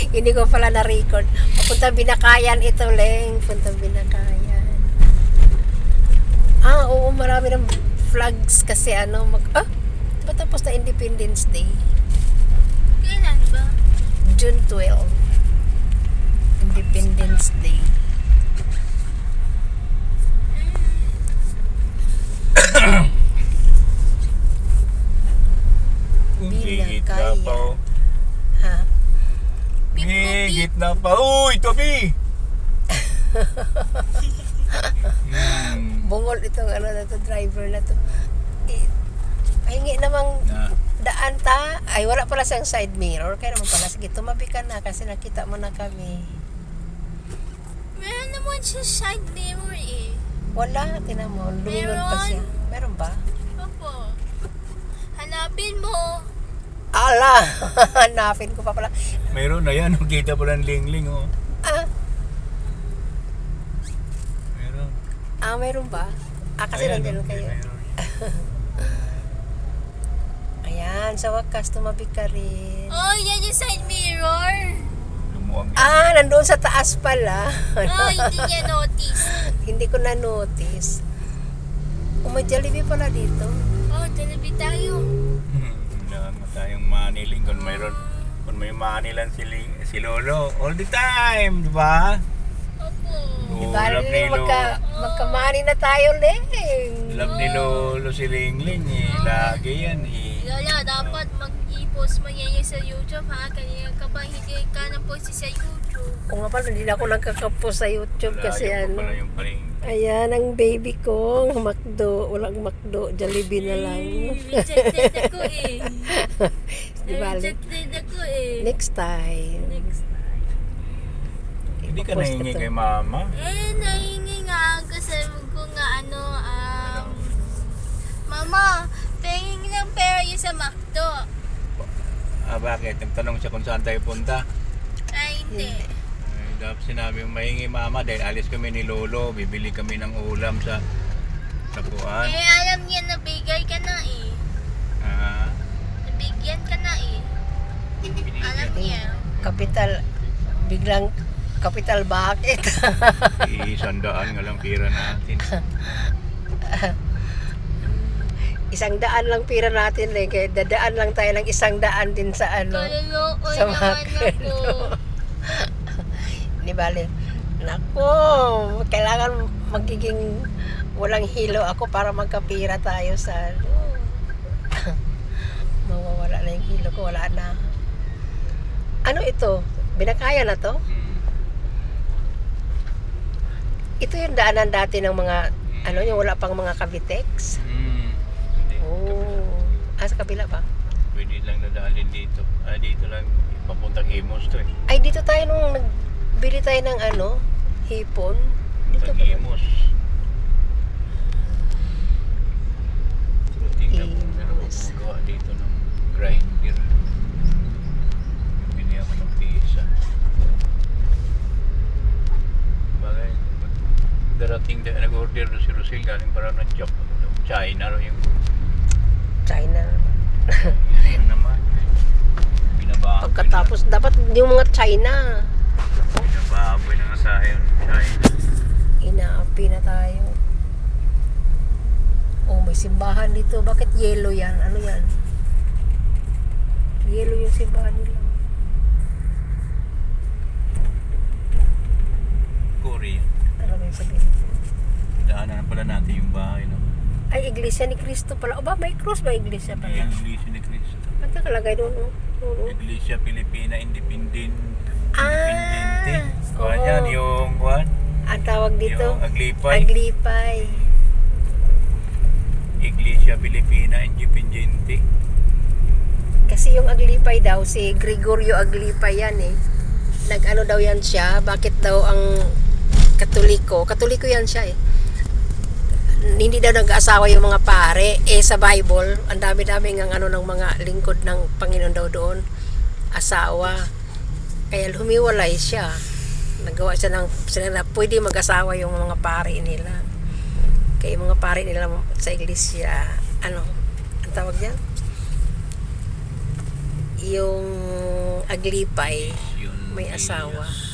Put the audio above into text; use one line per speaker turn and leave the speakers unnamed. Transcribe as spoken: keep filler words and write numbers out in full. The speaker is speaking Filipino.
Hindi ko pala na-record. Papunta Binakayan ito, Leng. Punta Binakayan. Ah, oo, marami ng flags kasi ano, mag... Ah, diba tapos na Independence Day?
Kailan ba?
June twelfth. Independence Day.
Gigit na
Binakayan.
pa. oh.
Ha?
Gigit na pa. Uy, tabi! hmm.
Bungol itong ano na to, driver na to. Eh, hingi namang
Na,
daan ta. Ay, wala pala siyang side mirror. Kaya naman pala, sige, tumabi ka na kasi nakita mo na kami.
Meron naman siya side mirror eh.
Wala, tinan mo. Lumingon pa
Meron.
siya. Meron ba?
Opo. Hanapin mo.
Ala! Hanapin ko pa pala.
mayroon na yan. Kita pala ng lingling. Oh.
Ah,
Meron.
ah meron ba? Ah, kasi
Ayan,
nandiyan
oh,
kayo.
meron.
Ayan, sa wakas, tumabi ka rin.
Oh, yan yung side mirror.
Lumuwag yan.
Ah, nandoon sa taas pala.
Oh, hindi niya notice.
Hindi ko na-notice. Oh, may Jollibee pala dito.
Oh, talabi tayo.
Wala mo tayong maniling kung mayroon. Kung may manilan si, Ling- si Lolo. All the time, di ba?
Opo.
Oh,
Diba,
love ni Lolo.
magka, magkamani na tayo, Leng.
Love ni Lolo si Lingling eh. Lagi yan eh.
Lola, dapat mag-i-post mo yan yung sa YouTube ha. Kanina ka ba hindi ka na post sa YouTube?
O nga pala, hindi na ako nagkakapos sa YouTube kasi
Malayo pa
ano.
pala yung paling.
Ayan, ang baby ko, McDo. Walang McDo, Jollibee na lang.
Rejected ako eh.
Di ba, Leng?
Rejected ako eh.
Next time.
Next time.
Hindi ka
Ipopost
nahingi
ko to.
kay mama.
Eh, nahingi nga kasi ko nga ano, um, Mama, pahingin ng pera yun sa McDo.
Ah, bakit? Nagtanong siya kung saan tayo punta.
Ay, hindi.
Ay, dapat sinabi yung mahingi mama dahil alis kami ni Lolo. Bibili kami ng ulam sa sa puan.
Eh, alam niya na bigay ka na eh.
Ah,
Nabigyan ka na eh. Alam niya.
Kapital, biglang kapital bakit?
isandaan nga lang pira natin.
Isang daan lang pira natin, Leng. Kaya dadaan lang tayo ng isang daan din sa ano.
Kaluloko
Sa
naman
McDo.
ako.
Di ba, Leng? Nako, kailangan magiging walang hilo ako para magkapira tayo sa ano. Mawawala na yung hilo ko, wala na. Ano ito? Binakaya na to?
Hmm.
Ito yung daanan dati ng mga, ano yung wala pang mga Cavitex?
Hmm. Hindi.
Oh. Ah, sa kabila ba?
Pwede lang nadalhin dito. Ah, dito lang papuntang Imos to eh.
Ay, dito tayo nung nagbili tayo ng ano, hipon. Dito
Papuntang
ba?
Imos. So, tingnan mo, meron
Imos.
akong gawa dito ng grinder. Bumili ako ng pizza. Bagay, darating din, nag-order si Rosil galing para ng Jap- China ro yung
China.
yun naman. Binababoy
Pagkatapos, dapat yung mga China.
na, binababoy na nga sa akin China.
Inaapi na tayo. Oh, may simbahan dito. Bakit yellow yan? Ano yan? Yellow yung simbahan nila.
Korea.
Ano ba yung sabihin?
Daanan na pala natin yung bahay no?
Ay, Iglesia ni Cristo pala. O ba, may cross ba Iglesia pala?
Yung Iglesia ni Cristo.
Ba't nakalagay doon? Oh? Oo.
Iglesia Pilipina Independent.
Ah,
Independente. Kuha
oo.
yan yung kuhan.
Ang tawag dito?
Yung Aglipay.
Aglipay.
Iglesia Pilipina Independente.
Kasi yung Aglipay daw, si Gregorio Aglipay yan eh. Nag-ano daw yan siya. Bakit daw ang Katoliko? Katoliko yan siya eh. Hindi daw nag-asawa yung mga pare. Eh sa Bible, ang dami-dami ng ano ng mga lingkod ng Panginoon daw doon. Asawa. Kaya humiwalay siya. Nagawa siya ng sila na pwede mag-asawa yung mga pare nila. Kaya yung mga pare nila sa iglesia, ano, ang tawag niyan? Yung Aglipay.
Yun
may asawa.